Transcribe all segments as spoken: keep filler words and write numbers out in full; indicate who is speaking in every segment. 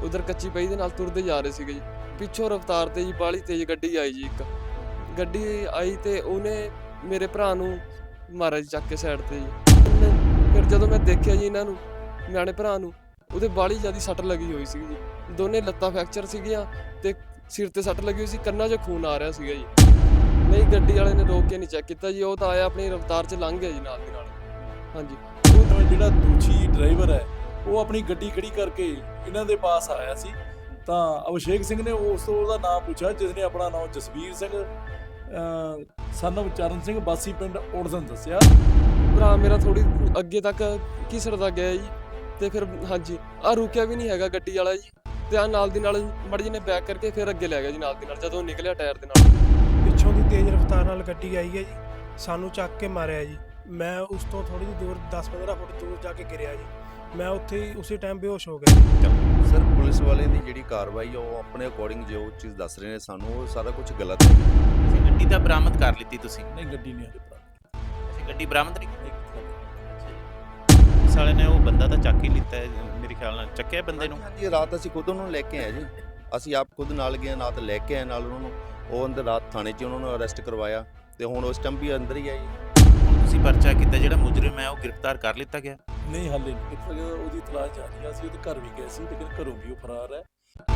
Speaker 1: ਉਧਰ ਕੱਚੀ ਪਈ ਦੇ ਨਾਲ ਤੁਰਦੇ ਜਾ ਰਹੇ ਸੀਗੇ ਜੀ। ਪਿੱਛੋਂ ਰਫ਼ਤਾਰ ਤੇ ਜੀ ਬਾਹਲੀ ਤੇਜ਼ ਗੱਡੀ ਆਈ ਜੀ ਇੱਕ। ਗੱਡੀ ਆਈ ਤੇ ਉਹਨੇ ਮੇਰੇ ਭਰਾ ਨੂੰ ਮਾਰਿਆ ਜੀ ਚੱਕ ਕੇ ਸਾਈਡ ਤੇ ਜੀ। ਫਿਰ ਜਦੋਂ ਮੈਂ ਦੇਖਿਆ ਜੀ ਇਹਨਾਂ ਨੂੰ, ਨਿਆਣੇ ਭਰਾ ਨੂੰ, ਉਹਦੇ ਬਾਹਲੀ ਜ਼ਿਆਦਾ ਸੱਟ ਲੱਗੀ ਹੋਈ ਸੀਗੀ ਜੀ। ਦੋਨੇ ਲੱਤਾਂ ਫ੍ਰੈਕਚਰ ਸੀਗੀਆਂ ਤੇ ਸਿਰ ਤੇ ਸੱਟ ਲੱਗੀ ਹੋਈ ਸੀ, ਕੰਨਾਂ 'ਚੋਂ ਖੂਨ ਆ ਰਿਹਾ ਸੀਗਾ ਜੀ। ਨਹੀਂ, ਗੱਡੀ ਵਾਲੇ ਨੇ ਰੋਕ ਕੇ ਨਹੀਂ ਚੈੱਕ ਕੀਤਾ ਜੀ, ਉਹ ਤਾਂ ਆਇਆ ਆਪਣੀ ਰਫ਼ਤਾਰ 'ਚ ਲੰਘ ਗਿਆ ਜੀ ਨਾਲ ਦੀ ਨਾਲ। ਹਾਂਜੀ।
Speaker 2: ਉਹ ਜਿਹੜਾ ਦੋਸ਼ੀ ਡਰਾਈਵਰ ਹੈ ਉਹ ਆਪਣੀ ਗੱਡੀ ਖੜੀ ਕਰਕੇ ਇਹਨਾਂ ਦੇ ਪਾਸ ਆਇਆ ਸੀ ਤਾਂ ਅਭਿਸ਼ੇਕ ਸਿੰਘ ਨੇ ਉਸ ਤੋਂ ਉਹਦਾ ਨਾਮ ਪੁੱਛਿਆ, ਜਿਸ ਨੇ ਆਪਣਾ ਨਾਮ ਜਸਵੀਰ ਸਿੰਘ ਸਨ of ਚਰਨ ਸਿੰਘ ਬਾਸੀ ਪਿੰਡ ਉੜਦਨ ਦੱਸਿਆ।
Speaker 1: ਭਰਾ ਮੇਰਾ ਥੋੜੀ ਅੱਗੇ ਤੱਕ ਘਿਸੜਦਾ ਗਿਆ ਜੀ ਤੇ ਫਿਰ ਹਾਂਜੀ ਆ ਰੁਕਿਆ ਵੀ ਨਹੀਂ ਹੈਗਾ ਗੱਡੀ ਵਾਲਾ ਜੀ, ਤੇ ਆ ਨਾਲ ਦੀ ਨਾਲ ਮੜ ਜੀ ਨੇ ਬੈਕ ਕਰਕੇ ਫਿਰ ਅੱਗੇ ਲੈ ਗਿਆ ਜੀ ਨਾਲ ਦੀ ਨਾਲ, ਜਦੋਂ ਨਿਕਲਿਆ ਟਾਇਰ ਦੇ ਨਾਲ।
Speaker 3: ਪਿੱਛੋਂ ਦੀ ਤੇਜ਼ ਰਫ਼ਤਾਰ ਨਾਲ ਗੱਡੀ ਆਈ ਹੈ ਜੀ, ਸਾਨੂੰ ਚੱਕ ਕੇ ਮਾਰਿਆ ਜੀ। ਮੈਂ ਉਸ ਤੋਂ ਥੋੜੀ ਜਿਹੀ ਦੂਰ ਦਸ ਪੰਦਰਾਂ ਫੁੱਟ ਦੂਰ ਜਾ ਕੇ ਗਿਰਿਆ ਜੀ। ਮੈਂ ਉੱਥੇ ਹੀ ਉਸੇ ਟਾਈਮ ਬੇਹੋਸ਼ ਹੋ ਗਿਆ।
Speaker 4: ਸਰ, ਪੁਲਿਸ ਵਾਲਿਆਂ ਦੀ ਜਿਹੜੀ ਕਾਰਵਾਈ ਆ ਉਹ ਆਪਣੇ ਅਕੋਰਡਿੰਗ ਜੋ ਚੀਜ਼ ਦੱਸ ਰਹੇ ਨੇ ਸਾਨੂੰ, ਉਹ ਸਾਰਾ ਕੁਝ ਗਲਤ ਹੈ।
Speaker 5: ਤੁਸੀਂ ਗੱਡੀ ਤਾਂ ਬਰਾਮਦ ਕਰ ਲਿੱਤੀ ਤੁਸੀਂ?
Speaker 2: ਨਹੀਂ, ਗੱਡੀ ਨਹੀਂ ਹਜੇ ਪ੍ਰਾਪਤ।
Speaker 5: ਅਸੀਂ ਗੱਡੀ ਬਰਾਮਦ ਨਹੀਂ ਕੀਤੀ। ਪੁਲਿਸ ਵਾਲੇ ਨੇ ਉਹ ਬੰਦਾ ਤਾਂ ਚੱਕ ਹੀ ਲਿੱਤਾ ਹੈ, ਮੇਰੇ ਖਿਆਲ ਨਾਲ ਚੱਕਿਆ ਬੰਦੇ ਨੂੰ।
Speaker 4: ਹਾਂਜੀ, ਰਾਤ ਅਸੀਂ ਖੁਦ ਉਹਨੂੰ ਲੈ ਕੇ ਆਏ ਜੀ। ਅਸੀਂ ਆਪ ਖੁਦ ਨਾਲ ਗਏ, ਨਾਲ ਲੈ ਕੇ ਆਏ ਨਾਲ ਉਹਨਾਂ ਨੂੰ। ਉਹ ਅੰਦਰ ਰਾਤ ਥਾਣੇ 'ਚ ਉਹਨਾਂ ਨੂੰ ਅਰੈਸਟ ਕਰਵਾਇਆ ਤੇ ਹੁਣ ਉਸ ਟਾਈਮ ਵੀ ਅੰਦਰ ਹੀ ਆ ਜੀ।
Speaker 5: ਤੁਸੀਂ ਪਰਚਾ ਕੀਤਾ, ਜਿਹੜਾ ਮੁਜਰਮ ਹੈ ਉਹ ਗ੍ਰਿਫਤਾਰ ਕਰ ਲਿੱਤਾ ਗਿਆ?
Speaker 2: ਨਹੀਂ, ਹਾਲੇ ਨਹੀਂ। ਕਿਤੇ ਉਹਦੀ ਤਲਾਸ਼ ਜਾਰੀ ਆ। ਅਸੀਂ ਉਹਦੇ ਘਰ ਵੀ ਗਏ ਸੀ, ਲੇਕਿਨ ਘਰੋਂ ਵੀ ਉਹ ਫਰਾਰ ਹੈ।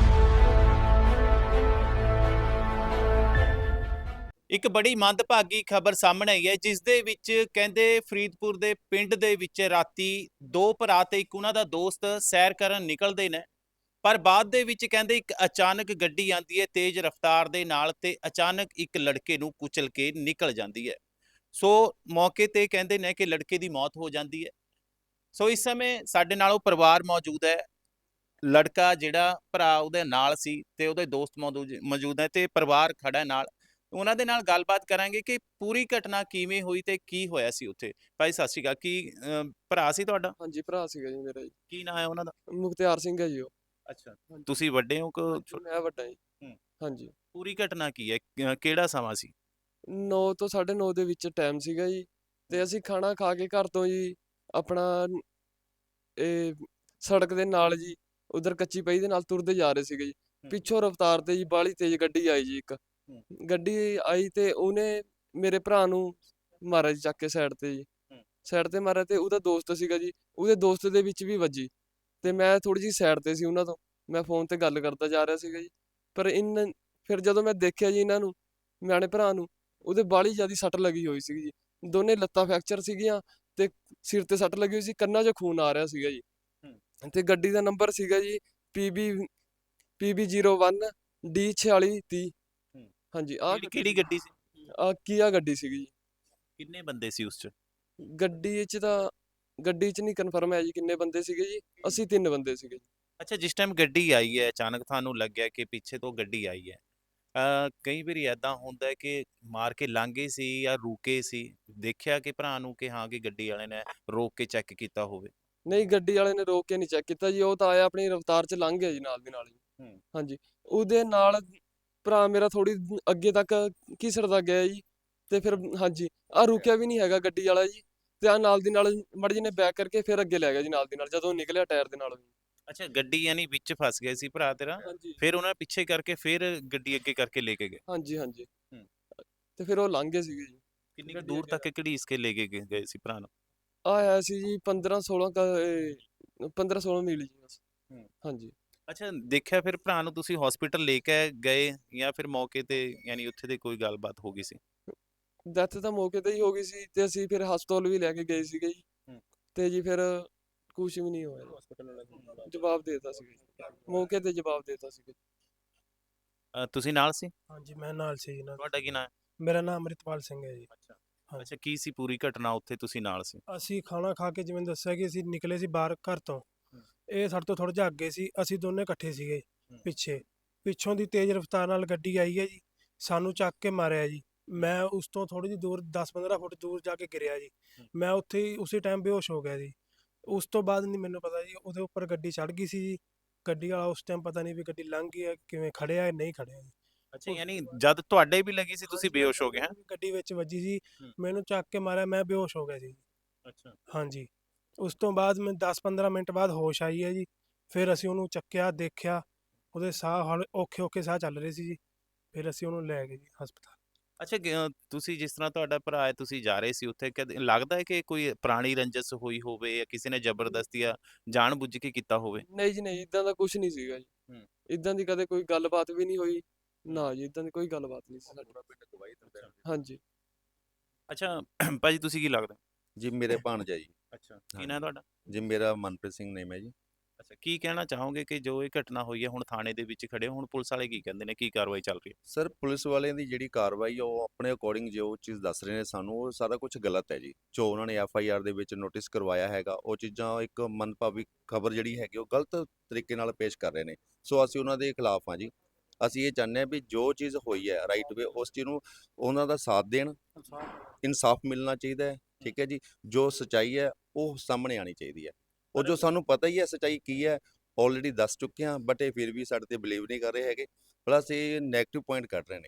Speaker 5: ਇੱਕ ਬੜੀ ਮੰਦਭਾਗੀ ਖਬਰ ਸਾਹਮਣੇ ਆਈ ਹੈ, ਜਿਸ ਦੇ ਵਿੱਚ ਕਹਿੰਦੇ ਫਰੀਦਪੁਰ ਦੇ ਪਿੰਡ ਦੇ ਵਿੱਚ ਰਾਤੀ ਦੋ ਭਰਾ ਤੇ ਇੱਕ ਉਹਨਾਂ ਦਾ ਦੋਸਤ ਸੈਰ ਕਰਨ ਨਿਕਲਦੇ ਨੇ, ਪਰ ਬਾਅਦ ਦੇ ਵਿੱਚ ਕਹਿੰਦੇ ਇੱਕ ਅਚਾਨਕ ਗੱਡੀ ਆਉਂਦੀ ਹੈ ਤੇਜ਼ ਰਫ਼ਤਾਰ ਦੇ ਨਾਲ ਤੇ ਅਚਾਨਕ ਇੱਕ ਲੜਕੇ ਨੂੰ ਕੁਚਲ ਕੇ ਨਿਕਲ ਜਾਂਦੀ ਹੈ। ਸੋ ਮੌਕੇ ਤੇ ਕਹਿੰਦੇ ਨੇ ਕਿ ਲੜਕੇ ਦੀ ਮੌਤ ਹੋ ਜਾਂਦੀ ਹੈ। ਸੋ ਇਸ ਸਮੇਂ ਸਾਡੇ ਨਾਲ ਉਹ ਪਰਿਵਾਰ ਮੌਜੂਦ ਹੈ, ਲੜਕਾ ਜਿਹੜਾ ਭਰਾ ਉਹਦੇ ਨਾਲ ਸੀ ਤੇ ਉਹਦੇ ਦੋਸਤ ਮੌਜੂਦ ਹੈ ਤੇ ਪਰਿਵਾਰ ਖੜਾ ਨਾਲ। ਉਹਨਾਂ ਦੇ ਨਾਲ ਗੱਲਬਾਤ ਕਰਾਂਗੇ ਕਿ ਪੂਰੀ ਘਟਨਾ ਕਿਵੇਂ ਹੋਈ ਤੇ ਕੀ ਹੋਇਆ ਸੀ ਉੱਥੇ। ਭਾਈ ਸਤਿ ਸ਼੍ਰੀ ਅਕਾਲ। ਕੀ ਭਰਾ ਸੀ ਤੁਹਾਡਾ?
Speaker 1: ਹਾਂਜੀ, ਭਰਾ ਸੀਗਾ ਜੀ ਮੇਰਾ ਜੀ।
Speaker 5: ਕੀ ਨਾਂ ਹੈ ਉਹਨਾਂ ਦਾ?
Speaker 1: ਮੁਖਤਿਆਰ ਸਿੰਘ ਹੈ ਜੀ ਉਹ।
Speaker 5: ਅੱਛਾ, ਤੁਸੀਂ ਵੱਡੇ ਹੋ ਕਿ
Speaker 1: ਹਾਂਜੀ, ਮੈਂ ਵੱਡਾ ਜੀ।
Speaker 5: ਹੂੰ।
Speaker 1: ਹਾਂਜੀ।
Speaker 5: ਪੂਰੀ ਘਟਨਾ ਕੀ ਹੈ, ਕਿਹੜਾ ਸਮਾਂ ਸੀ?
Speaker 1: ਨੌ ਤੋਂ ਸਾਢੇ ਨੌ ਦੇ ਵਿੱਚ ਟਾਈਮ ਸੀਗਾ ਜੀ, ਤੇ ਅਸੀਂ ਖਾਣਾ ਖਾ ਕੇ ਘਰ ਤੋਂ ਜੀ ਆਪਣਾ ਇਹ ਸੜਕ ਦੇ ਨਾਲ ਜੀ ਉਧਰ ਕੱਚੀ ਪਈ ਦੇ ਨਾਲ ਤੁਰਦੇ ਜਾ ਰਹੇ ਸੀਗੇ ਜੀ। ਪਿੱਛੋਂ ਰਫ਼ਤਾਰ ਤੇ ਜੀ ਬਾਹਲੀ ਤੇਜ਼ ਗੱਡੀ ਆਈ ਜੀ ਇੱਕ। ਗੱਡੀ ਆਈ ਤੇ ਉਹਨੇ ਮੇਰੇ ਭਰਾ ਨੂੰ ਮਾਰਿਆ ਜੀ ਚੱਕ ਕੇ ਸਾਈਡ ਤੇ ਜੀ। ਸਾਈਡ ਤੇ ਮਾਰਿਆ ਤੇ ਉਹਦਾ ਦੋਸਤ ਸੀਗਾ ਜੀ, ਉਹਦੇ ਦੋਸਤ ਦੇ ਵਿੱਚ ਵੀ ਵੱਜੀ ਤੇ ਮੈਂ ਥੋੜੀ ਜਿਹੀ ਸਾਈਡ ਤੇ ਸੀ ਉਹਨਾਂ ਤੋਂ। ਮੈਂ ਫੋਨ ਤੇ ਗੱਲ ਕਰਦਾ ਜਾ ਰਿਹਾ ਸੀਗਾ ਜੀ, ਪਰ ਇਨ ਫਿਰ ਜਦੋਂ ਮੈਂ ਦੇਖਿਆ ਜੀ ਇਹਨਾਂ ਨੂੰ, ਨਿਆਣੇ ਭਰਾ ਨੂੰ, ਉਹਦੇ ਬਾਹਲੀ ਜ਼ਿਆਦਾ ਸੱਟ ਲੱਗੀ ਹੋਈ ਸੀਗੀ ਜੀ। ਦੋਨੇ ਲੱਤਾਂ ਫ੍ਰੈਕਚਰ ਸੀਗੀਆਂ ਤੇ ਸਿਰ ਤੇ ਸੱਟ ਲੱਗੀ ਹੋਈ ਸੀ, ਕੰਨਾਂ 'ਚੋਂ ਖੂਨ ਆ ਰਿਹਾ ਸੀਗਾ ਜੀ। ਤੇ ਗੱਡੀ ਦਾ ਨੰਬਰ ਸੀਗਾ ਜੀ PB PB zero one D ਛਿਆਲੀ ਤੀਹ। ਹਾਂਜੀ। ਆਹ
Speaker 5: ਕਿਹੜੀ ਗੱਡੀ ਸੀ?
Speaker 1: ਆ ਕੀਆ ਗੱਡੀ ਸੀਗੀ ਜੀ।
Speaker 5: ਕਿੰਨੇ ਬੰਦੇ ਸੀ ਉਸ 'ਚ?
Speaker 1: ਗੱਡੀ 'ਚ ਤਾਂ ਗੱਡੀ 'ਚ ਨਹੀਂ ਕਨਫਰਮ ਹੈ ਜੀ ਕਿੰਨੇ ਬੰਦੇ ਸੀਗੇ ਜੀ। ਅਸੀਂ ਤਿੰਨ ਬੰਦੇ ਸੀਗੇ ਜੀ।
Speaker 5: ਅੱਛਾ, ਜਿਸ ਟਾਈਮ ਗੱਡੀ ਆਈ ਹੈ ਅਚਾਨਕ ਤੁਹਾਨੂੰ ਲੱਗਿਆ ਕਿ ਪਿੱਛੇ ਤੋਂ ਗੱਡੀ ਆਈ ਹੈ, ਅ ਕਈ ਵਾਰੀ ਏਦਾਂ ਹੁੰਦਾ ਹੈ ਕਿ ਮਾਰ ਕੇ ਲੰਘੇ ਸੀ ਜਾਂ ਰੁਕੇ ਸੀ? ਦੇਖਿਆ ਕਿ ਭਰਾ ਨੂੰ ਕਿ ਹਾਂ ਕਿ ਗੱਡੀ ਵਾਲੇ ਨੇ ਰੋਕ ਕੇ ਚੈੱਕ ਕੀਤਾ ਹੋਵੇ?
Speaker 1: ਨਹੀਂ, ਗੱਡੀ ਵਾਲੇ ਨੇ ਰੋਕ ਕੇ ਨਹੀਂ ਚੈੱਕ ਕੀਤਾ ਜੀ, ਉਹ ਤਾਂ ਆਇਆ ਆਪਣੀ ਰਫ਼ਤਾਰ 'ਚ ਲੰਘ ਗਿਆ ਜੀ ਨਾਲ ਦੀ ਨਾਲ ਜੀ। ਹਾਂਜੀ। ਉਹਦੇ ਨਾਲ ਭਰਾ ਮੇਰਾ ਥੋੜੀ ਅੱਗੇ ਤੱਕ ਘਿਸੜਦਾ ਗਿਆ ਜੀ ਤੇ ਫਿਰ ਹਾਂਜੀ ਆ ਰੁਕਿਆ ਵੀ ਨਹੀਂ ਹੈਗਾ ਗੱਡੀ ਵਾਲਾ ਜੀ, ਤੇ ਆ ਨਾਲ ਦੀ ਨਾਲ ਮੜ ਜੀ ਨੇ ਬੈਕ ਕਰਕੇ ਫਿਰ ਅੱਗੇ ਲੈ ਗਿਆ ਜੀ ਨਾਲ ਦੀ ਨਾਲ, ਜਦੋਂ ਨਿਕਲਿਆ ਟਾਇਰ ਦੇ ਨਾਲ।
Speaker 5: ਅੱਛਾ, ਗੱਡੀ ਯਾਨੀ ਵਿੱਚ ਫਸ ਗਏ ਸੀ ਭਰਾ ਤੇਰਾ,
Speaker 1: ਹਾਂਜੀ।
Speaker 5: ਫਿਰ ਉਹਨਾਂ ਪਿੱਛੇ ਕਰਕੇ ਫਿਰ ਗੱਡੀ ਅੱਗੇ ਕਰਕੇ ਲੈ ਕੇ ਗਏ?
Speaker 1: ਹਾਂਜੀ ਹਾਂਜੀ।
Speaker 5: ਹੂੰ।
Speaker 1: ਤੇ ਫਿਰ ਉਹ ਲੰਘ ਗਏ ਸੀਗੇ ਜੀ।
Speaker 5: ਕਿੰਨੀ ਕੁ ਦੂਰ ਤੱਕ ਘੜੀਸ ਕੇ ਲੈ ਕੇ ਗਏ ਗਏ ਸੀ ਭਰਾ ਨੂੰ?
Speaker 1: ਆਇਆ ਸੀ ਜੀ ਪੰਦਰਾਂ ਸੋਲਾਂ ਪੰਦਰਾਂ ਸੋਲਾਂ ਮੀਲ ਜੀ ਬਸ। ਹਾਂਜੀ।
Speaker 5: ਅੱਛਾ, ਦੇਖਿਆ ਫਿਰ ਭਰਾ ਨੂੰ ਤੁਸੀਂ ਹਸਪੀਟਲ ਲੈ ਕੇ ਗਏ ਜਾਂ ਫਿਰ ਮੌਕੇ ਤੇ ਯਾਨੀ ਉੱਥੇ ਤੇ ਕੋਈ ਗੱਲਬਾਤ ਹੋ ਗਈ ਸੀ?
Speaker 1: ਡੈਥ ਤਾਂ ਮੌਕੇ ਤੇ ਹੀ ਹੋ ਗਈ ਸੀ ਤੇ ਅਸੀਂ ਫਿਰ ਹਸਪਤਾਲ ਵੀ ਲੈ ਕੇ ਗਏ ਸੀਗੇ ਜੀ, ਤੇ ਜੀ ਫਿਰ ਕੁਝ ਵੀ ਨਹੀਂ ਹੋਇਆ, ਜਵਾਬ ਦੇਤਾ ਸੀ ਮੌਕੇ ਤੇ, ਜਵਾਬ ਦੇਤਾ ਸੀ।
Speaker 5: ਤੁਸੀਂ ਨਾਲ ਸੀ?
Speaker 3: ਹਾਂਜੀ, ਮੈਂ ਨਾਲ ਸੀ ਜੀ।
Speaker 5: ਤੁਹਾਡਾ ਕੀ ਨਾਮ ਹੈ?
Speaker 3: ਮੇਰਾ ਨਾਮ ਅੰਮ੍ਰਿਤਪਾਲ ਸਿੰਘ ਹੈ ਜੀ।
Speaker 5: ਅੱਛਾ ਅੱਛਾ, ਕੀ ਸੀ ਪੂਰੀ ਘਟਨਾ ਉੱਥੇ ਤੁਸੀਂ ਨਾਲ ਸੀ?
Speaker 3: ਅਸੀਂ ਖਾਣਾ ਖਾ ਕੇ ਜਿਵੇਂ ਦੱਸਿਆ ਕਿ ਅਸੀਂ ਨਿਕਲੇ ਸੀ ਬਾਹਰ ਘਰ ਤੋਂ। ਇਹ ਸਾਡੇ ਤੋਂ ਥੋੜਾ ਜਿਹਾ ਅੱਗੇ ਸੀ, ਅਸੀਂ ਦੋਨੇ ਇਕੱਠੇ ਸੀਗੇ ਪਿੱਛੇ। ਪਿੱਛੋਂ ਦੀ ਤੇਜ਼ ਰਫ਼ਤਾਰ ਨਾਲ ਗੱਡੀ ਆਈ ਹੈ ਜੀ, ਸਾਨੂੰ ਚੱਕ ਕੇ ਮਾਰਿਆ ਜੀ। ਮੈਂ ਉਸ ਤੋਂ ਥੋੜੀ ਜਿਹੀ ਦੂਰ ਦਸ ਪੰਦਰਾਂ ਫੁੱਟ ਦੂਰ ਜਾ ਕੇ ਗਿਰਿਆ ਜੀ। ਮੈਂ ਉੱਥੇ ਹੀ ਉਸੇ ਟਾਈਮ ਬੇਹੋਸ਼ ਹੋ ਗਿਆ ਜੀ। ਉਸ ਤੋਂ ਬਾਅਦ ਨਹੀਂ ਮੈਨੂੰ ਪਤਾ ਜੀ, ਉਹਦੇ ਉੱਪਰ ਗੱਡੀ ਚੜ੍ਹ ਗਈ ਸੀ ਜੀ। ਗੱਡੀ ਵਾਲਾ ਉਸ ਟਾਈਮ ਪਤਾ ਨਹੀਂ ਵੀ ਗੱਡੀ ਲੰਘ ਗਈ ਹੈ, ਕਿਵੇਂ ਖੜਿਆ ਹੈ ਨਹੀਂ ਖੜਿਆ ਜੀ।
Speaker 5: ਅੱਛਾ, ਯਾਨੀ ਜਦ ਤੁਹਾਡੇ ਵੀ ਲੱਗੀ ਸੀ ਤੁਸੀਂ ਬੇਹੋਸ਼ ਹੋ ਗਏ? ਹਾਂ,
Speaker 3: ਗੱਡੀ ਵਿੱਚ ਵੱਜੀ ਸੀ, ਮੈਨੂੰ ਚੱਕ ਕੇ ਮਾਰਿਆ, ਮੈਂ ਬੇਹੋਸ਼ ਹੋ ਗਿਆ ਸੀ।
Speaker 5: ਅੱਛਾ।
Speaker 3: ਹਾਂਜੀ। ਉਸ ਤੋਂ ਬਾਅਦ ਮੈਂ ਦਸ ਪੰਦਰਾਂ ਮਿੰਟ ਬਾਅਦ ਹੋਸ਼ ਆਈ ਹੈ ਜੀ। ਫਿਰ ਅਸੀਂ ਉਹਨੂੰ ਚੱਕਿਆ, ਦੇਖਿਆ, ਉਹਦੇ ਸਾਹ ਹੌਲੇ ਔਖੇ ਔਖੇ ਸਾਹ ਚੱਲ ਰਹੇ ਸੀ ਜੀ। ਫਿਰ ਅਸੀਂ ਉਹਨੂੰ ਲੈ ਗਏ ਜੀ ਹਸਪਤਾਲ।
Speaker 5: ਅੱਛਾ ਗ- ਅ, ਤੁਸੀਂ ਜਿਸ ਤਰ੍ਹਾਂ ਤੁਹਾਡਾ ਭਰਾ ਹੈ, ਤੁਸੀਂ ਜਾ ਰਹੇ ਸੀ ਉੱਥੇ, ਕਦੇ ਲੱਗਦਾ ਹੈ ਕਿ ਕੋਈ ਪੁਰਾਣੀ ਰੰਜਿਸ਼ ਹੋਈ ਹੋਵੇ ਜਾਂ ਕਿਸੇ ਨੇ ਜ਼ਬਰਦਸਤੀ ਜਾਂ ਜਾਣ ਬੁੱਝ ਕੇ ਕੀਤਾ ਹੋਵੇ?
Speaker 1: ਨਹੀਂ ਜੀ ਨਹੀਂ, ਇਦਾਂ ਦਾ ਕੁਝ ਨਹੀਂ ਸੀਗਾ ਜੀ।
Speaker 5: ਹੂੰ।
Speaker 1: ਇਦਾਂ ਦੀ ਕਦੇ ਕੋਈ ਗੱਲਬਾਤ ਵੀ ਨਹੀਂ ਹੋਈ। ਨਾ ਜੀ, ਇਦਾਂ ਦੀ ਕੋਈ ਗੱਲਬਾਤ ਨਹੀਂ ਸੀ ਸਾਡੀ। ਹਾਂਜੀ।
Speaker 5: ਅੱਛਾ ਭਾਜੀ ਤੁਸੀਂ ਕੀ ਲੱਗਦਾ?
Speaker 4: ਜੀ ਮੇਰੇ ਭਾਣਜਾ ਜੀ।
Speaker 5: ਅੱਛਾ ਕੀ
Speaker 4: ਹਾਂਜੀ।
Speaker 5: ਨਾਂ ਹੈ ਤੁਹਾਡਾ?
Speaker 4: ਜੀ ਮੇਰਾ ਮਨਪ੍ਰੀਤ ਸਿੰਘ ਨੇਮ ਹੈ ਜੀ।
Speaker 5: ਅੱਛਾ ਕੀ ਕਹਿਣਾ ਚਾਹੋਗੇ ਕਿ ਜੋ ਇਹ ਘਟਨਾ ਹੋਈ ਹੈ, ਹੁਣ ਥਾਣੇ ਦੇ ਵਿੱਚ ਖੜੇ ਹੋ, ਹੁਣ ਪੁਲਿਸ ਵਾਲੇ ਕੀ ਕਹਿੰਦੇ ਨੇ, ਕੀ ਕਾਰਵਾਈ ਚੱਲ ਰਹੀ ਹੈ?
Speaker 4: ਸਰ ਪੁਲਿਸ ਵਾਲਿਆਂ ਦੀ ਜਿਹੜੀ ਕਾਰਵਾਈ ਆ ਉਹ ਆਪਣੇ ਅਕੋਰਡਿੰਗ ਜੋ ਚੀਜ਼ ਦੱਸ ਰਹੇ ਨੇ ਸਾਨੂੰ, ਉਹ ਸਾਰਾ ਕੁਝ ਗਲਤ ਹੈ ਜੀ। ਜੋ ਉਹਨਾਂ ਨੇ ਐਫ ਆਈ ਆਰ ਦੇ ਵਿੱਚ ਨੋਟਿਸ ਕਰਵਾਇਆ ਹੈਗਾ, ਉਹ ਚੀਜ਼ਾਂ ਇੱਕ ਮੰਦਭਾਵੀ ਖਬਰ ਜਿਹੜੀ ਹੈਗੀ ਉਹ ਗਲਤ ਤਰੀਕੇ ਨਾਲ ਪੇਸ਼ ਕਰ ਰਹੇ ਨੇ। ਸੋ ਅਸੀਂ ਉਹਨਾਂ ਦੇ ਖਿਲਾਫ ਹਾਂ ਜੀ। ਅਸੀਂ ਇਹ ਚਾਹੁੰਦੇ ਹਾਂ ਵੀ ਜੋ ਚੀਜ਼ ਹੋਈ ਹੈ ਰਾਈਟ ਵੇ, ਉਸ ਚੀਜ਼ ਨੂੰ ਉਹਨਾਂ ਦਾ ਸਾਥ ਦੇਣ, ਇਨਸਾਫ ਮਿਲਣਾ ਚਾਹੀਦਾ ਹੈ। ਠੀਕ ਹੈ ਜੀ। ਜੋ ਸਚਾਈ ਹੈ ਉਹ ਸਾਹਮਣੇ ਆਣੀ ਚਾਹੀਦੀ ਹੈ। ਉਹ ਜੋ ਸਾਨੂੰ ਪਤਾ ਹੀ ਹੈ ਸਚਾਈ ਕੀ ਹੈ, ਆਲਰੇਡੀ ਦੱਸ ਚੁੱਕੇ ਹਾਂ, ਬਟ ਇਹ ਫਿਰ ਵੀ ਸਾਡੇ ਤੇ ਬਿਲੀਵ ਨਹੀਂ ਕਰ ਰਹੇ ਹੈਗੇ। ਪਲੱਸ ਇਹ ਨੈਗੇਟਿਵ ਪੁਆਇੰਟ ਕੱਢ ਰਹੇ ਨੇ।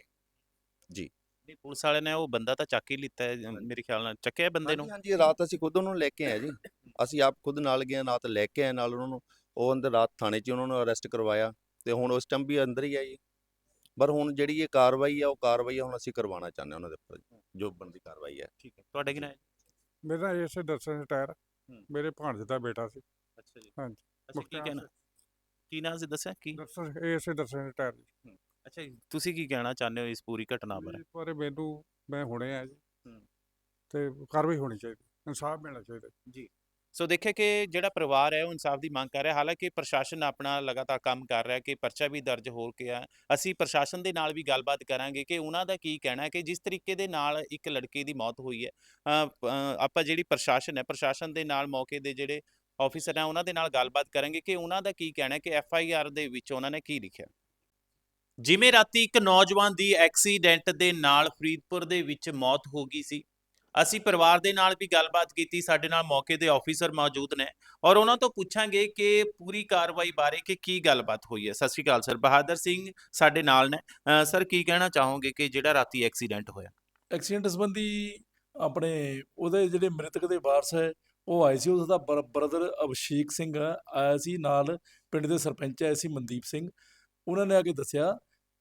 Speaker 5: ਨਹੀਂ ਪੁਲਿਸ ਵਾਲਿਆਂ ਨੇ ਉਹ ਬੰਦਾ ਤਾਂ ਚੱਕ ਹੀ ਲਿੱਤਾ ਹੈ, ਅ, ਮੇਰੇ ਖਿਆਲ ਨਾਲ ਚੱਕਿਆ ਬੰਦੇ ਨੂੰ।
Speaker 4: ਹਾਂਜੀ ਹਾਂਜੀ, ਰਾਤ ਅਸੀਂ ਖੁਦ ਉਹਨੂੰ ਲੈ ਕੇ ਆਏ ਜੀ। ਅਸੀਂ ਆਪ ਖੁਦ ਨਾਲ ਗਏ, ਨਾਲ ਲੈ ਕੇ ਆਏ ਨਾਲ ਉਹਨਾਂ ਨੂੰ। ਉਹ ਅੰਦਰ ਰਾਤ ਥਾਣੇ 'ਚ ਉਹਨਾਂ ਨੂੰ ਅਰੈਸਟ ਕਰਵਾਇਆ ਤੇ ਹੁਣ ਉਸ ਟਾਈਮ ਵੀ ਅੰਦਰ ਹੀ ਆ ਜੀ। ਪਰ ਹੁਣ ਜਿਹੜੀ ਇਹ ਕਾਰਵਾਈ ਆ ਉਹ ਕਾਰਵਾਈ ਹੁਣ ਅਸੀਂ ਕਰਵਾਉਣਾ ਚਾਹੁੰਦੇ ਹਾਂ ਉਹਨਾਂ ਦੇ ਉੱਪਰ, ਜੋ ਬਣਦੀ ਕਾਰਵਾਈ ਹੈ।
Speaker 5: ਠੀਕ ਹੈ, ਤੁਹਾਡਾ ਕੀ ਨਾਂ ਹੈ?
Speaker 6: ਮੇਰਾ ਇਸੇ ਦਰਸ਼ਨ ਰਿਟਾਇਰ
Speaker 5: ਹੂੰ।
Speaker 6: ਮੇਰੇ ਭਾਣਜੇ ਦਾ ਬੇਟਾ ਸੀ।
Speaker 5: ਅੱਛਾ ਜੀ।
Speaker 6: ਹਾਂਜੀ।
Speaker 5: ਅੱਛਾ ਕੀ
Speaker 6: ਮੁਖਤਿਆਰ
Speaker 5: ਕਹਿਣਾ,
Speaker 6: ਸਿੰਘ।
Speaker 5: ਕੀ ਨਾਂ ਸੀ ਦੱਸਿਆ ਕੀ?
Speaker 6: ਦਰਸ਼ਨ ਇਸੇ ਦਰਸ਼ਨ ਰਿਟਾਇਰ ਜੀ।
Speaker 5: ਅੱਛਾ ਜੀ, ਤੁਸੀਂ ਕੀ ਕਹਿਣਾ ਚਾਹੁੰਦੇ ਹੋ ਇਸ ਪੂਰੀ ਘਟਨਾ ਬਾਰੇ?
Speaker 6: ਇਸ ਬਾਰੇ ਮੈਨੂੰ ਮੈਂ ਹੁਣੇ ਆ ਜੀ
Speaker 5: ਹੂੰ।
Speaker 6: ਤੇ ਕਾਰਵਾਈ ਹੋਣੀ ਚਾਹੀਦੀ, ਇਨਸਾਫ ਮਿਲਣਾ ਚਾਹੀਦਾ।
Speaker 5: ਜੀ ਸੋ ਦੇਖਿਆ ਕਿ ਜਿਹੜਾ ਪਰਿਵਾਰ ਹੈ ਉਹ ਇਨਸਾਫ ਦੀ ਮੰਗ ਕਰ ਰਿਹਾ। ਹਾਲਾਂਕਿ ਪ੍ਰਸ਼ਾਸਨ ਆਪਣਾ ਲਗਾਤਾਰ ਕੰਮ ਕਰ ਰਿਹਾ ਕਿ ਪਰਚਾ ਵੀ ਦਰਜ ਹੋ ਗਿਆ। ਅਸੀਂ ਪ੍ਰਸ਼ਾਸਨ ਦੇ ਨਾਲ ਵੀ ਗੱਲਬਾਤ ਕਰਾਂਗੇ ਕਿ ਉਹਨਾਂ ਦਾ ਕੀ ਕਹਿਣਾ ਹੈ ਕਿ ਜਿਸ ਤਰੀਕੇ ਦੇ ਨਾਲ ਇੱਕ ਲੜਕੇ ਦੀ ਮੌਤ ਹੋਈ ਹੈ, ਅ, ਪ- ਅ, ਆਪਾਂ ਜਿਹੜੀ ਪ੍ਰਸ਼ਾਸਨ ਹੈ, ਪ੍ਰਸ਼ਾਸਨ ਦੇ ਨਾਲ ਮੌਕੇ ਦੇ ਜਿਹੜੇ ਆਫੀਸਰ ਹੈ ਉਹਨਾਂ ਦੇ ਨਾਲ ਗੱਲਬਾਤ ਕਰਾਂਗੇ ਕਿ ਉਹਨਾਂ ਦਾ ਕੀ ਕਹਿਣਾ ਹੈ ਕਿ ਐਫ ਆਈ ਆਰ ਦੇ ਵਿੱਚ ਉਹਨਾਂ ਨੇ ਕੀ ਲਿਖਿਆ। ਜਿਵੇਂ ਰਾਤੀ ਇੱਕ ਨੌਜਵਾਨ ਦੀ ਐਕਸੀਡੈਂਟ ਦੇ ਨਾਲ ਫਰੀਦਪੁਰ ਦੇ ਵਿੱਚ ਮੌਤ ਹੋ ਗਈ ਸੀ, ਅਸੀਂ ਪਰਿਵਾਰ ਦੇ ਨਾਲ ਵੀ ਗੱਲਬਾਤ ਕੀਤੀ। ਸਾਡੇ ਨਾਲ ਮੌਕੇ ਦੇ ਆਫੀਸਰ ਮੌਜੂਦ ਨੇ ਔਰ ਉਹਨਾਂ ਤੋਂ ਪੁੱਛਾਂਗੇ ਕਿ ਪੂਰੀ ਕਾਰਵਾਈ ਬਾਰੇ ਕਿ ਕੀ ਗੱਲਬਾਤ ਹੋਈ ਹੈ। ਸਤਿ ਸ਼੍ਰੀ ਅਕਾਲ ਸਰ, ਬਹਾਦਰ ਸਿੰਘ ਸਾਡੇ ਨਾਲ ਨੇ। ਅ, ਸਰ ਕੀ ਕਹਿਣਾ ਚਾਹੋਗੇ ਕਿ ਜਿਹੜਾ ਰਾਤੀ ਐਕਸੀਡੈਂਟ ਹੋਇਆ?
Speaker 2: ਐਕਸੀਡੈਂਟ ਸੰਬੰਧੀ ਆਪਣੇ ਉਹਦੇ ਜਿਹੜੇ ਮ੍ਰਿਤਕ ਦੇ ਵਾਰਸ ਹੈ ਉਹ ਆਏ ਸੀ। ਉਹਦਾ ਬ੍ਰਦਰ ਅਭਿਸ਼ੇਕ ਸਿੰਘ ਆ- ਆਇਆ ਸੀ ਨਾਲ, ਪਿੰਡ ਦੇ ਸਰਪੰਚ ਆਏ ਸੀ ਮਨਦੀਪ ਸਿੰਘ। ਉਹਨਾਂ ਨੇ ਆ ਕੇ ਦੱਸਿਆ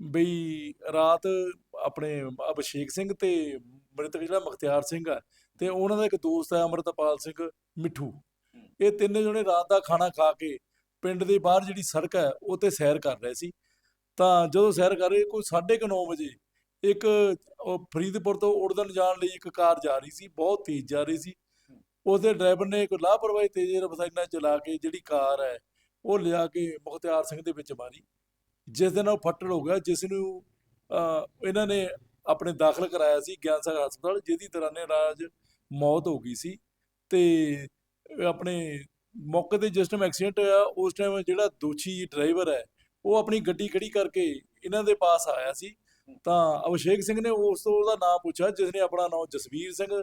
Speaker 2: ਬਈ ਰਾਤ ਆਪਣੇ ਅਭਿਸ਼ੇਕ ਸਿੰਘ ਤੇ ਮ੍ਰਿਤਕ ਜਿਹੜਾ ਮੁਖਤਿਆਰ ਸਿੰਘ ਆ ਤੇ ਉਹਨਾਂ ਦਾ ਇੱਕ ਦੋਸਤ ਹੈ ਅੰਮ੍ਰਿਤਪਾਲ ਸਿੰਘ ਮਿੱਠੂ, ਇਹ ਤਿੰਨੇ ਜਣੇ ਰਾਤ ਦਾ ਖਾਣਾ ਖਾ ਕੇ ਪਿੰਡ ਦੇ ਬਾਹਰ ਜਿਹੜੀ ਸੜਕ ਹੈ ਉਹ ਤੇ ਸੈਰ ਕਰ ਰਹੇ ਸੀ। ਤਾਂ ਜਦੋਂ ਸੈਰ ਕਰ ਰਹੇ ਕੋਈ ਸਾਢੇ ਕੁ ਨੌ ਵਜੇ ਇੱਕ ਉਹ ਫਰੀਦਪੁਰ ਤੋਂ ਉੜਦਨ ਜਾਣ ਲਈ ਇੱਕ ਕਾਰ ਜਾ ਰਹੀ ਸੀ, ਬਹੁਤ ਤੇਜ਼ ਜਾ ਰਹੀ ਸੀ। ਉਹਦੇ ਡਰਾਈਵਰ ਨੇ ਇੱਕ ਲਾਪਰਵਾਹੀ ਤੇਜ਼ ਰਫ਼ਤਾਰ ਨਾਲ ਚਲਾ ਕੇ ਜਿਹੜੀ ਕਾਰ ਹੈ ਉਹ ਲਿਆ ਕੇ ਮੁਖਤਿਆਰ ਸਿੰਘ ਦੇ ਵਿੱਚ ਮਾਰੀ, ਜਿਸ ਦੇ ਨਾਲ ਉਹ ਫੱਟੜ ਹੋ ਗਿਆ, ਜਿਸ ਨੂੰ ਅਹ, ਇਹਨਾਂ ਨੇ ਆਪਣੇ ਦਾਖਲ ਕਰਾਇਆ ਸੀ ਗਿਆਨ ਸਾਗਰ ਹਸਪਤਾਲ, ਜਿਹਦੀ ਦੌਰਾਨੇ ਇਲਾਜ ਮੌਤ ਹੋ ਗਈ ਸੀ। ਤੇ ਆਪਣੇ ਮੌਕੇ ਤੇ ਜਿਸ ਟਾਈਮ ਐਕਸੀਡੈਂਟ ਹੋਇਆ ਉਸ ਟਾਈਮ ਜਿਹੜਾ ਦੋਸ਼ੀ ਡਰਾਈਵਰ ਹੈ ਉਹ ਆਪਣੀ ਗੱਡੀ ਖੜੀ ਕਰਕੇ ਇਹਨਾਂ ਦੇ ਪਾਸ ਆਇਆ ਸੀ। ਤਾਂ ਅਭਿਸ਼ੇਕ ਸਿੰਘ ਨੇ ਉਸ ਤੋਂ ਉਹਦਾ ਨਾਮ ਪੁੱਛਿਆ, ਜਿਸ ਨੇ ਆਪਣਾ ਨਾਮ ਜਸਵੀਰ ਸਿੰਘ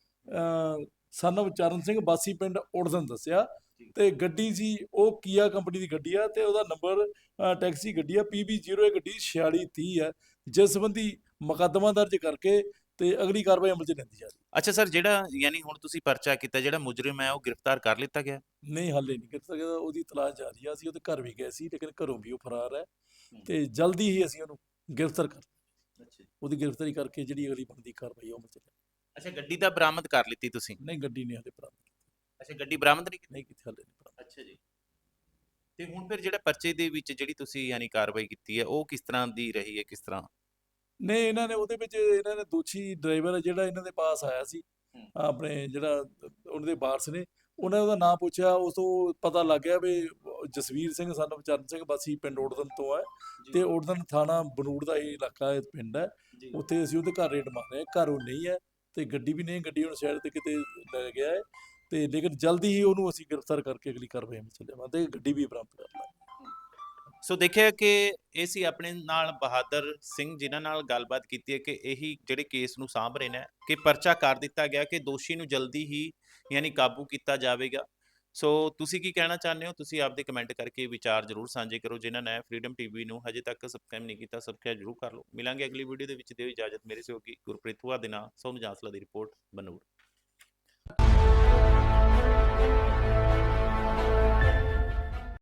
Speaker 2: ਸਨ of ਚਰਨ ਸਿੰਘ ਵਾਸੀ ਪਿੰਡ ਉੜਦਨ ਦੱਸਿਆ। ਤੇ ਗੱਡੀ ਸੀ ਉਹ ਕੀਆ ਕੰਪਨੀ ਦੀ ਗੱਡੀ ਆ ਤੇ ਉਹਦਾ ਨੰਬਰ ਟੈਕਸੀ ਗੱਡੀ ਆ ਪੀ ਬੀ ਜ਼ੀਰੋ ਗੱਡੀ ਛਿਆਲੀ ਤੀਹ ਹੈ, ਜਿਸ ਸੰਬੰਧੀ ਮੁਕੱਦਮਾ ਦਰਜ ਕਰਕੇ ਤੇ ਅਗਲੀ ਕਾਰਵਾਈ ਅਮਲ 'ਚ ਲੈਂਦੀ ਜਾ ਰਹੀ।
Speaker 5: ਅੱਛਾ ਸਰ, ਜਿਹੜਾ ਯਾਨੀ ਹੁਣ ਤੁਸੀਂ ਪਰਚਾ ਕੀਤਾ, ਜਿਹੜਾ ਮੁਜਰਮ ਹੈ ਉਹ ਗ੍ਰਿਫਤਾਰ ਕਰ ਲਿੱਤਾ ਗਿਆ?
Speaker 2: ਨਹੀਂ ਹਾਲੇ ਨਹੀਂ ਕਰ ਸਕਦਾ, ਉਹਦੀ ਤਲਾਸ਼ ਜਾਰੀ ਆ। ਅਸੀਂ ਉਹਦੇ ਘਰ ਵੀ ਗਏ ਸੀ ਲੇਕਿਨ ਘਰੋਂ ਵੀ ਉਹ ਫਰਾਰ ਹੈ ਤੇ ਜਲਦੀ ਹੀ ਅਸੀਂ ਉਹਨੂੰ ਗ੍ਰਿਫਤਾਰ ਕਰ ਉਹਦੀ ਗ੍ਰਿਫਤਾਰੀ ਕਰਕੇ ਜਿਹੜੀ ਅਗਲੀ ਬਣਦੀ ਕਾਰਵਾਈ ਉਹ ਅਮਲ 'ਚ ਲਿਆਂਦੀ।
Speaker 5: ਅੱਛਾ ਗੱਡੀ ਤਾਂ ਬਰਾਮਦ ਕਰ ਲਿੱਤੀ ਤੁਸੀਂ?
Speaker 2: ਨਹੀਂ ਗੱਡੀ ਨਹੀਂ ਹਾਲੇ ਬਰਾਮਦ ਕੀਤੀ।
Speaker 5: ਅੱਛਾ ਗੱਡੀ ਬਰਾਮਦ ਨਹੀਂ ਕੀਤੀ?
Speaker 2: ਨਹੀਂ ਕੀਤੀ ਹਾਲੇ ਨਹੀਂ ਬਰਾਮਦ।
Speaker 5: ਅੱਛਾ ਜੀ। ਤੇ ਹੁਣ ਫਿਰ ਜਿਹੜਾ ਪਰਚੇ ਦੇ ਵਿੱਚ ਜਿਹੜੀ ਤੁਸੀਂ ਯਾਨੀ ਕਾਰਵਾਈ ਕੀਤੀ ਹੈ ਉਹ ਕਿਸ ਤਰ੍ਹਾਂ ਦੀ ਰਹੀ ਹੈ, ਕਿਸ ਤਰ੍ਹਾਂ?
Speaker 2: ਨਹੀਂ ਇਹਨਾਂ ਨੇ ਉਹਦੇ ਵਿੱਚ ਇਹਨਾਂ ਨੇ ਦੋਸ਼ੀ ਡਰਾਈਵਰ ਜਿਹੜਾ ਇਹਨਾਂ ਦੇ ਪਾਸ ਆਇਆ ਸੀ, ਆਪਣੇ ਜਿਹੜਾ ਉਹਨਾਂ ਦੇ ਵਾਰਸ ਨੇ, ਉਹਨਾਂ ਨੇ ਉਹਦਾ ਨਾਮ ਪੁੱਛਿਆ। ਉਸ ਤੋਂ ਪਤਾ ਲੱਗ ਗਿਆ ਵੀ ਜਸਵੀਰ ਸਿੰਘ ਸਨ of ਚਰਨ ਸਿੰਘ ਵਾਸੀ ਪਿੰਡ ਉੜਦਨ ਤੋਂ ਹੈ ਤੇ ਉੜਦਨ ਥਾਣਾ ਬਨੂੜ ਦਾ ਇਹ ਇਲਾਕਾ ਇਹ ਪਿੰਡ ਹੈ। ਉੱਥੇ ਅਸੀਂ ਉਹਦੇ ਘਰ ਰੇਡ ਮਾਰ ਰਹੇ ਹਾਂ, ਘਰ ਉਹ ਨਹੀਂ ਹੈ ਤੇ ਗੱਡੀ ਵੀ ਨਹੀਂ, ਗੱਡੀ ਹੁਣ ਸਾਈਡ ਤੇ ਕਿਤੇ ਲੈ ਗਿਆ ਹੈ ਤੇ ਲੇਕਿਨ ਜਲਦੀ ਹੀ ਉਹਨੂੰ ਅਸੀਂ ਗ੍ਰਿਫਤਾਰ ਕਰਕੇ ਅਗਲੀ ਕਾਰਵਾਈ ਵਿੱਚ ਲਿਆਵਾਂਗੇ ਤੇ ਗੱਡੀ ਵੀ ਬਰਾਮਦ ਕਰ ਲਾਂਗੇ।
Speaker 5: ਸੋ ਦੇਖਿਆ ਕਿ ਇਹ ਸੀ ਆਪਣੇ ਨਾਲ ਬਹਾਦਰ ਸਿੰਘ, ਜਿਨ੍ਹਾਂ ਨਾਲ ਗੱਲਬਾਤ ਕੀਤੀ ਹੈ ਕਿ ਇਹੀ ਜਿਹੜੇ ਕੇਸ ਨੂੰ ਸਾਂਭ ਰਹੇ ਨੇ ਕਿ ਪਰਚਾ ਕਰ ਦਿੱਤਾ ਗਿਆ ਕਿ ਦੋਸ਼ੀ ਨੂੰ ਜਲਦੀ ਹੀ ਯਾਨੀ ਕਾਬੂ ਕੀਤਾ ਜਾਵੇਗਾ। ਸੋ ਤੁਸੀਂ ਕੀ ਕਹਿਣਾ ਚਾਹੁੰਦੇ ਹੋ? ਤੁਸੀਂ ਆਪਦੇ ਕਮੈਂਟ ਕਰਕੇ ਵਿਚਾਰ ਜ਼ਰੂਰ ਸਾਂਝੇ ਕਰੋ। ਜਿਨ੍ਹਾਂ ਨੇ ਫਰੀडम ਟੀਵੀ ਨੂੰ ਹਜੇ ਤੱਕ ਸਬਸਕ੍ਰਾਈਬ ਨਹੀਂ ਕੀਤਾ, ਸਬਸਕ੍ਰਾਈਬ ਜ਼ਰੂਰ ਕਰ ਲਓ। ਮਿਲਾਂਗੇ ਅਗਲੀ ਵੀਡੀਓ ਦੇ ਵਿੱਚ। ਦਿਓ ਇਜਾਜ਼ਤ। ਮੇਰੇ ਸਹਿਯੋਗੀ ਗੁਰਪ੍ਰੀਤ ਹੁਆ ਦੇ ਨਾਲ ਸੋਨੂੰ ਜਾਂਸਲਾ ਦੀ ਰਿਪੋਰਟ, ਬਨੂੜ।